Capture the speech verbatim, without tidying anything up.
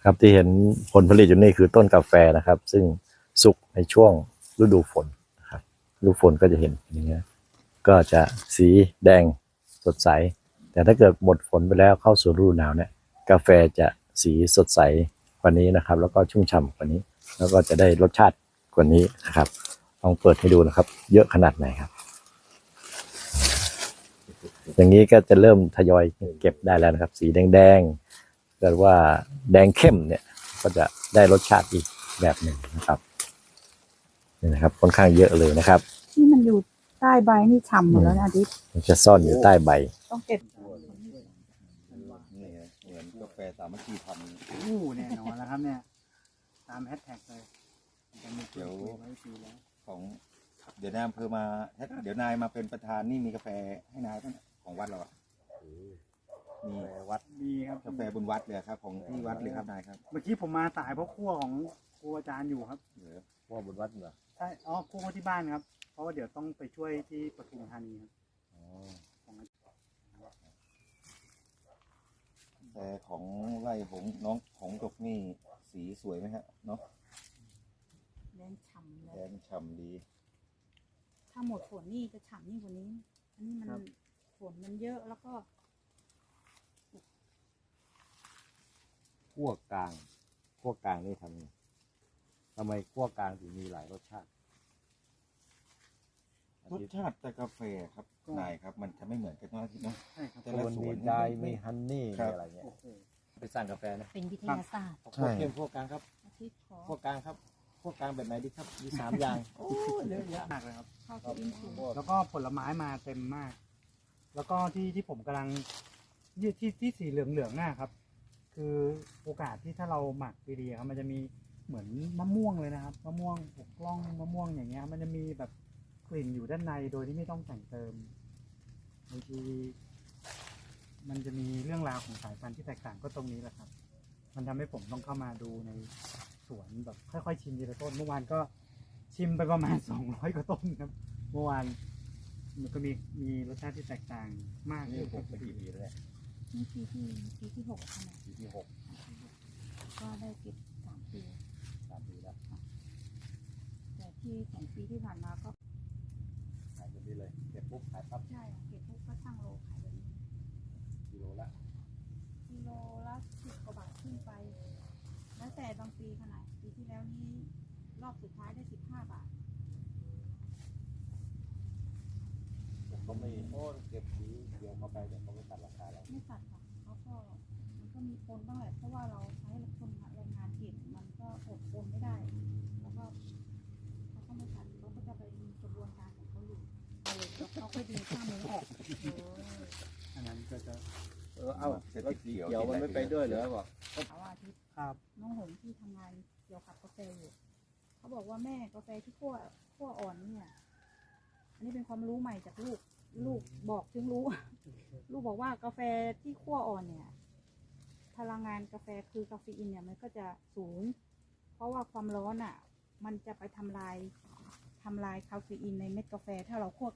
ครับที่เห็นผลผลิตอยู่นี่คือต้นกาแฟนะครับ ซึ่งสุกในช่วงฤดูฝนนะครับฤดูฝนก็จะเห็นอย่างเงี้ยก็จะสีแดงสดใสแต่ถ้าเกิดหมดฝนไปแล้วเข้าสู่ฤดูหนาวเนี่ยกาแฟจะสีสดใสกว่านี้นะครับแล้วก็ชุ่มฉ่ำกว่านี้แล้วก็จะได้รสชาติกว่านี้นะครับลองเปิดให้ดูนะครับเยอะขนาดไหนครับอย่างนี้ก็จะเริ่มทยอยเก็บได้แล้วนะครับสีแดงๆเกิดว่าแดงเข้มเนี่ยก็จะได้รสชาติอีกแบบหนึ่งนะครับนี่นะครับค่อนข้างเยอะเลยนะครับที่มันอยู่ใต้ใบนี่ฉ่ำหมดแล้วนะอาทิตย์มันจะซ่อนอยู่ใต้ใบต้องเก็บนี่เหมือนกาแฟสามัคคีทำอู้แน่นอนแล้วครับเนี่ยตามแฮชแท็กเลยจะมีเกี่ยวไว้ปีแล้วของเดี๋ยวนายอำเภอมาเดี๋ยวนายมาเป็นประธานนี่มีกาแฟให้นายป่ะของวัดเราอ่ะมีวัดมีครับกาแฟบนวัดเลยครับของที่วัดเลยครับนายครับเมื่อกี้ผมมาสายเพราะคั่วของครูอาจารย์อยู่ครับเหลือพ่อบนวัดเหรอใช่อ๋อคั่วที่บ้านครับเพราะว่าเดี๋ยวต้องไปช่วยที่ปทุมธานีครับแต่ของไร่ของน้องของดกนี่สีสวยไหมฮะเนาะแดงฉ่ำเลแดยงฉ่ำดีถ้าหมดฝนนี่จะฉ่ำยิ่งกว่านี้อันนี้มันฝนมันเยอะแล้วก็ขั้วกลางขั้วกลางนี่ทำทำไมขั้วกลางถึงมีหลายรสชาติรสชาติแต่กาแฟครับนายครับมันจะไม่เหมือนกันทุกที่เนาะใช่ครับแต่ละสวนมีไดมีฮันนี่อะไรเงี้ยไปสร้างกาแฟนะเป็นวิทยาศาสตร์ขั้วเข้มขั้วกลางครับอาทิตย์ขอขั้วกลางครับขั้วกลางแบบไหนดีครับมีสามอย่างโอ้เยอะแยะมากเลยครับข้าวอินสูงแล้วก็ผลไม้มาเต็มมาก แล้วก็ที่ที่ผมกำลังที่ที่ที่สีเหลืองเหลืองน่ะครับ คือโอกาสที่ถ้าเราหมักดีๆครับมันจะมีเหมือนมะม่วงเลยนะครับมะม่วงปกล่องมะม่วงอย่างเงี้ยมันจะมีแบบกลิ่นอยู่ด้านในโดยที่ไม่ต้องแต่งเติมบางทีมันจะมีเรื่องราวของสายพันธุ์ที่แตกต่างก็ตรงนี้แหละครับ มันทำให้ผมต้องเข้ามาดูในสวนแบบค่อยๆชิมทีละต้นเมื่อวานก็ชิมไปประมาณสองร้อยกว่าต้นครับเมื่อวานมันก็มีมีรสชาติที่แตกต่างมากนี่ผมเป็นกี่ปีแล้วเนี่ยนี่ปีที่ปีที่หกขนาดปีที่หกก็ได้เก็บสามปีสามปีแล้วแต่ที่สองปีที่ผ่านมาก็ขายแบบนี้เลยเก็บปุ๊บขายปั๊บใช่เก็บพวกก็ช่างโลขายแบบนี้กิโลละกิโลละสิบกว่าบาทขึ้นไป แล้วแต่บางปีขนาดปีที่แล้วนี้รอบสุดท้ายได้สิบห้าบาทแต่เขาไม่โอ้เก็บสีเดียวเข้าไปแต่เขาไม่ตัดราคาเราไม่ตัดค่ะเขาก็มันก็มีปนบ้างแหละเพราะว่าเราใช้คนแรงงานเก็บมันก็อดปนไม่ได้ แล้วก็เขาก็ไม่ตัดเขาก็จะไปมีกระบวนการของเขาอยู่เออแล้วเขาก็ดึงข้ามมือออกเอออันนั้นก็จะเออเอ้าแล้วเขียวมันไม่ไปด้วยเหรอบอกเขาว่าอาทิตย์ครับน้องหงที่ทำงานเกี่ยวกับกาแฟอยู่เขาบอกว่าแม่กาแฟที่คั่วคั่วอ่อนเนี่ยอันนี้เป็นความรู้ใหม่จากลูกลูกบอกถึงรู้ ลูกบอกว่ากาแฟที่คั่วอ่อนเนี่ยพลังงานกาแฟคือกาเฟอีนเนี่ยมันก็จะสูง เพราะว่าความร้อนอ่ะมันจะไปทำลายทำลายคาเฟอีนในเม็ดกาแฟถ้าเราคั่ว